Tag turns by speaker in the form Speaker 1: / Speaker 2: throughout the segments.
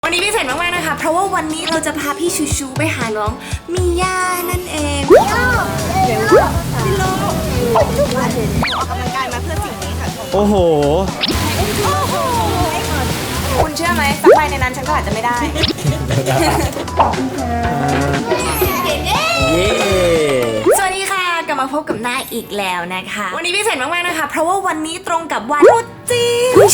Speaker 1: วันนี้พิเศษมากๆนะคะเพราะว่าวันนี้เราจะพาพี่ชูชูไปหาน้องมีย่านั่นเองพี่โลออกกำลังกายมาเพื่อสิ่งนี้ค่ะ
Speaker 2: โอ้โห
Speaker 1: คุณเชื่อไหมสักใบในนั้นฉันก็อาจจะไม่ได้สวัสดีค่ะกลับมาพบกับนายอีกแล้วนะคะวันนี้พิเศษมากๆนะคะเพราะว่าวันนี้ตรงกับวันตรุษจีนวัน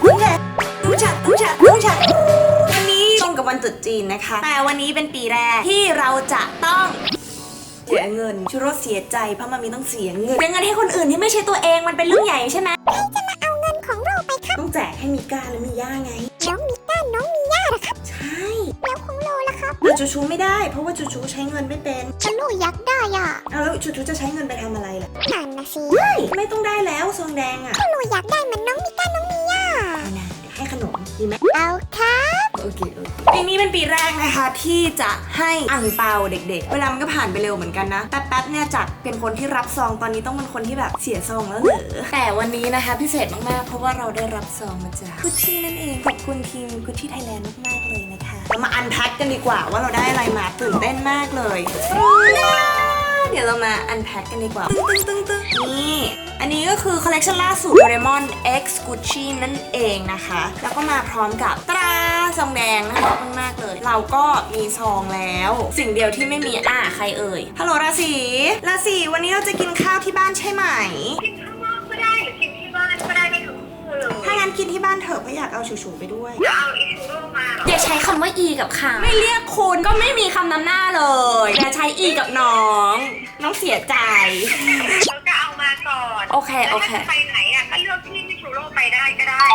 Speaker 1: นี้ตรงกับวันตรุษจีนนะคะแต่วันนี้เป็นปีแรกที่เราจะต้องเสียเงินชูรสเสียใจเพราะมันมีต้องเสียเงินให้คนอื่นที่ไม่ใช่ตัวเองมันเป็นเรื่องใหญ่ใช่ไหม
Speaker 3: จะมาเอาเงินของเราไปครับ
Speaker 1: ต้องแจกให้มีก้าและมีย่าไง
Speaker 3: น้องมีก้าน้องมีย่าเหรอครับ
Speaker 1: ใช่
Speaker 3: แล้วของโลล่ะครับ
Speaker 1: แต่จูชูไม่ได้เพราะว่าจูชูใช้เงินไม่เป็น
Speaker 3: ฉันโลอยากได้อ่ะ
Speaker 1: เอาแล้วจูชูจะใช้เงินไปทำอะไรล่ะ
Speaker 3: นั่นนะสิ
Speaker 1: ไม่ต้องได้แล้วซองแดงอ่ะ
Speaker 3: ก็โลอยากได้เหมือนน้องมีก้าน้องมีย่า
Speaker 1: เอานะให้ขนมดีไหม
Speaker 3: เอาครับ
Speaker 1: โอเคปีนี้เป็นปีแรกนะคะที่จะให้อั่งเปาเด็กๆเวลามันก็ผ่านไปเร็วเหมือนกันนะแป๊บๆเนี่ยจากเป็นคนที่รับซองตอนนี้ต้องเป็นคนที่แบบเสียซองแล้วเหรอแต่วันนี้นะคะพิเศษมากๆเพราะว่าเราได้รับซองมาจากกุชชี่นั่นเองขอบคุณทีมกุชชี่ไทยแลนด์มากๆเลยนะคะเรามาอันแพ็คกันดีกว่าว่าเราได้อะไรมาตื่นเต้นมากเลยเดี๋ยวเรามาอันแพ็คกันดีกว่าตึ้งนี่อันนี้ก็คือคอลเลคชันล่าสุด Doraemon X Gucci นั่นเองนะคะแล้วก็มาพร้อมกับตราซองแดงนะคะมากๆเลยเราก็มีซองแล้วสิ่งเดียวที่ไม่มีใครเอ่ยฮัลโหลราศีวันนี้เราจะกินข้าวที่บ้านใช่ไหม
Speaker 4: กินข้างนอกก็ได้หรือกินที่บ้านก็ได้ไม่ถึงคู่เลย
Speaker 1: ถ้างั้นกินที่บ้านเถอะเพราะอยากเอาชูๆไปด้วย
Speaker 4: เอาอิชูโร่มาหรอ
Speaker 1: อย่าใช้คำว่าอีกับค่ะไม่เรียกคุณก็ไม่มีคำนำหน้าเลยอย่าใช้อีกับน้องเสียใจ
Speaker 4: เราจะเอามาก่อน
Speaker 1: โอเค
Speaker 4: ไปไหนอ่ะก็เลือกที่ชูโร่ไปได้ก็ได้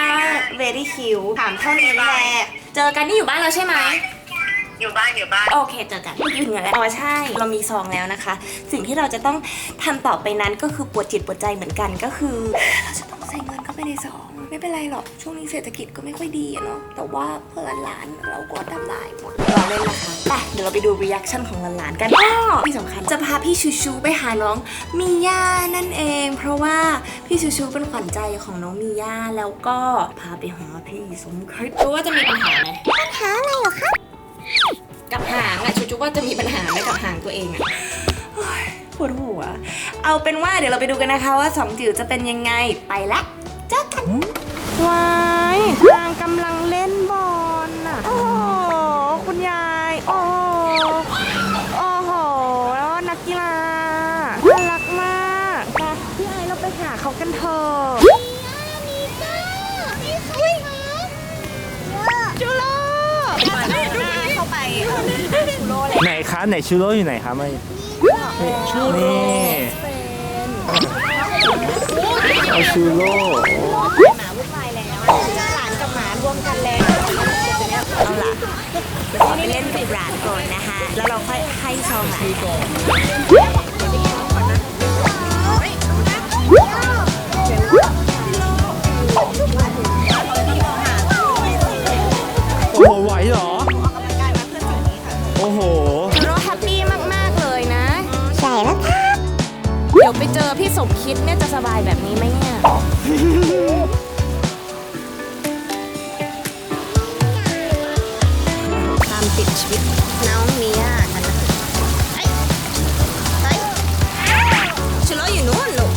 Speaker 1: very cute ถามเท่านี้แหละเจอกันนี่อยู่บ้านแล้วใช่ไหม
Speaker 4: อยู่บ้าน
Speaker 1: โอเคเจอกันอยู่ถึงแล้วใช่เรามีซองแล้วนะคะสิ่งที่เราจะต้องทำต่อไปนั้นก็คือปวดจิตปวดใจเหมือนกันก็คือเราจะต้องใส่เงินเข้าไปในซองไม่เป็นไรหรอกช่วงนี้เศรษฐกิจก็ไม่ค่อยดีเนาะแต่ว่าเพื่อนหลานเราก็ทำได้หมดเราเล่นนะคะไปเดี๋ยวเราไปดูรีแอคชั่นของหลานๆกันที่สำคัญจะพาพี่ชูชูไปหาน้องมีย่านั่นเองเพราะว่าพี่ชูชูเป็นขวัญใจของน้องมีย่าแล้วก็พาไปหาพี่สมคิดรู้ว่าจะมีปัญหาไหม
Speaker 3: ปัญหาอะไรเหรอครับ
Speaker 1: กับหางอะชูว่าจะมีปัญหาไหมกับหางตัวเองอะปวดหัวเอาเป็นว่าเดี๋ยวเราไปดูกันนะคะว่าสองจิ๋วจะเป็นยังไงไปละเจอกันว้ายนางกำลังเล่นบอลน่ะโอ้โหคุณยายโอ้โหแล้วนักกีฬาน่ารักมากพี่ไอเราไปหาเขากันเถอะจูโร่เข้าไปชูโร่เลย
Speaker 2: ไหนคะไหนชูโร่อยู่ไหนคะไม่ชูโร่เอาชูโร่
Speaker 1: หมาวุ่นวายแล้วเจอหลานกับหมารวมกันแล้วเอาล่ะเดี๋ยวไปเล่นกับหลานก่อนนะคะแล้วเราค่อยให้ซองหลานก่อน
Speaker 2: โอ้โหไหวเหรอ
Speaker 1: ออกกำลังกายมาเพื่อสิ่งนี้ค่ะ
Speaker 2: โอ้โห
Speaker 1: เราแฮปปี้มากๆเลยนะ
Speaker 3: ใช่แล้วครับ
Speaker 1: เดี๋ยวไปเจอพี่สมคิดเนี่ยจะสบายแบบนี้ไหมเนี่ยตามติดชีวิตน้องมีย่ากันนะชูโร่อยู่นู้นลูก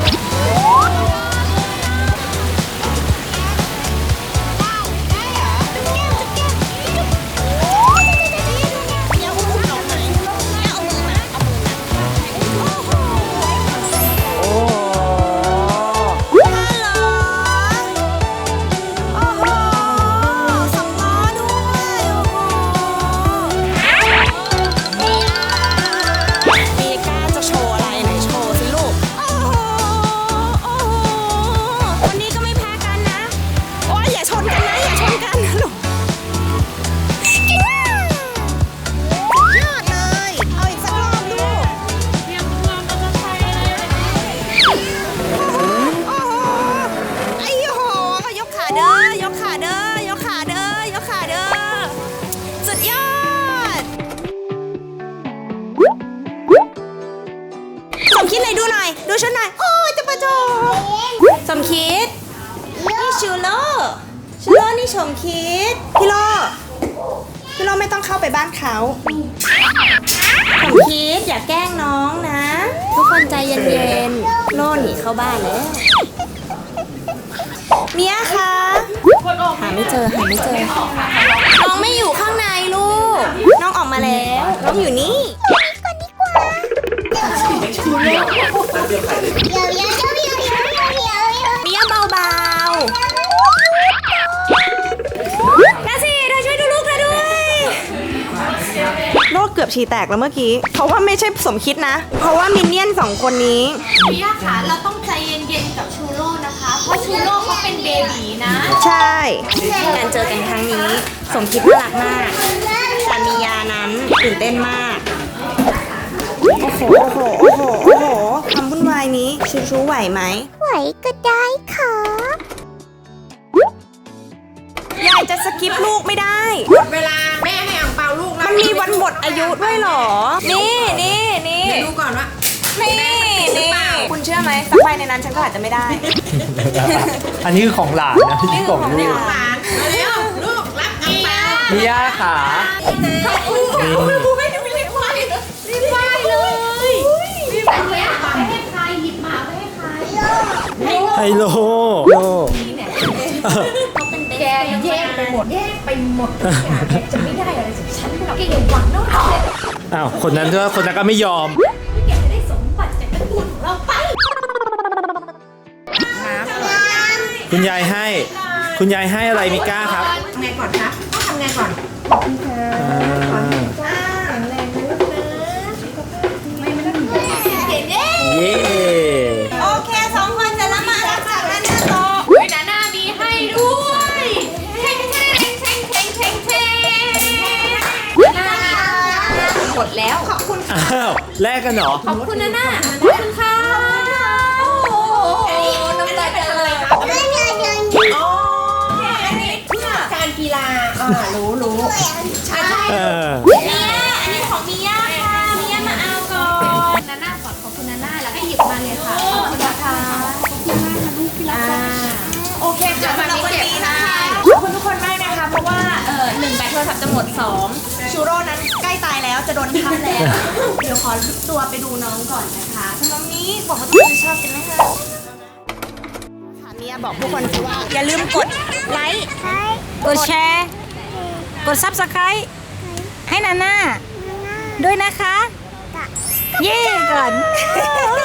Speaker 1: สมคิดไหนดูหน่อยดูฉันหน่อยโอ้ยจะประจบสมคิดนี่ชูโร่นี่สมคิดพี่โลเข้าไปบ้านเขาผมคิดอย่าแกล้งน้องนะ ทุกคนใจเย็นๆโน่หนีเข้าบ้านแล้วเมียคะหาไม่เจอน้องไม่อยู่ข้างในลูกน้องออกมาแล้วน้องอยู่นี่
Speaker 3: เดี๋ยว
Speaker 1: เมียเบาๆนาสิเธอช่วยดูลูกเธอด้วยโลกเกือบฉี่แตกแล้วเมื่อกี้เพราะว่าไม่ใช่สมคิดนะ เพราะว่ามินเนี่ยน2 คนนี้
Speaker 5: พี่ย่าคะเราต้องใจเย็นๆกับชูโร่นะคะ เพราะชูโร่เขาเป็นเบบีนะ
Speaker 1: ใช่การเจอกันครั้งนี้ สมคิดน่ารักมากแต่มียานั้นตื่นเต้นมากโอ้โหความวุ่นวายนี้ชูไหวไหม
Speaker 3: ไหวก็ได้ครับ
Speaker 1: ยายจะสกิปลูกไม่ได้
Speaker 5: หมดเวลาแม่ให้อ่างเปาลูกแล้ว
Speaker 1: มันมีวันหมดอายุด้วยเหรอ นี่
Speaker 5: ดูก่อนว่า
Speaker 1: คุณเชื่อไหมสักใบในนั้นฉันก็อาจจะไม่ได้
Speaker 2: อันนี้คือของหลานนะที่ของลูก
Speaker 5: หลานเร็วลูกรับอ่างเปา
Speaker 2: มีย่าขา
Speaker 5: รีบไหว้เลยรีบไหว้เลยหมาไปให้ใครหยิบหมาไปให้ใคร
Speaker 2: ไฮโล
Speaker 5: แกแยกไปหมดทุกอย่างแกจะไม่ได้อะไรจากฉันหรอกแกอย่าหวังนะว่า
Speaker 2: อ้าวคนนั้นด้วยคนนั้นก็ไม่ยอม
Speaker 5: แกจะได้สมบัติจากตระกูลของเราไป
Speaker 2: คุณยายให้ คุณยายให้อะไรมิก้าครับ
Speaker 5: ทำไงก่อนคะต้องทำไงก่อน
Speaker 2: อ่าเย้
Speaker 1: โอเค2 คนเสร็จแล้วมารับจากนั้นต่อ
Speaker 5: เฮ้ยนานามีให้ด้วยเท่งหมดแล้วขอบคุณ
Speaker 2: อ้าวแลกกันเหรอ
Speaker 5: ขอบคุณนานาขอบคุณค่ะโอ้โหน้ำตาจะเลย
Speaker 1: อันนี้เพื่อ
Speaker 5: การกีฬารู้ใช่
Speaker 2: เออ
Speaker 5: เมียอันนี้ของมิย่าค่ะมิย่ามาเอาก่อนนาน่าก่อนขอบคุณนาน่าแล้วก็หยิบมาเลยค่ะขอบคุณนะคะขอบคุณมากค่ะลูกที่รักโอเคค่ะ
Speaker 1: สำหรับวันนี้นะคะขอบคุณทุกคนมากนะคะ เพราะว่า1 แบตโทรศัพท์จะหมด 2ชูโร่นั้นใกล้ตายแล้วจะโดนทับแล้ว เดี๋ยวขอตัวไปดูน้องก่อนนะคะสำหรับวันนี้บอกว่าทุกคนจะชอบกันนะคะเมียบอกทุกคนว่าอย่าลืมกดไลค์กดแชร์กด Subscribe ให้นาน่าด้วยนะคะ เย่ก่อน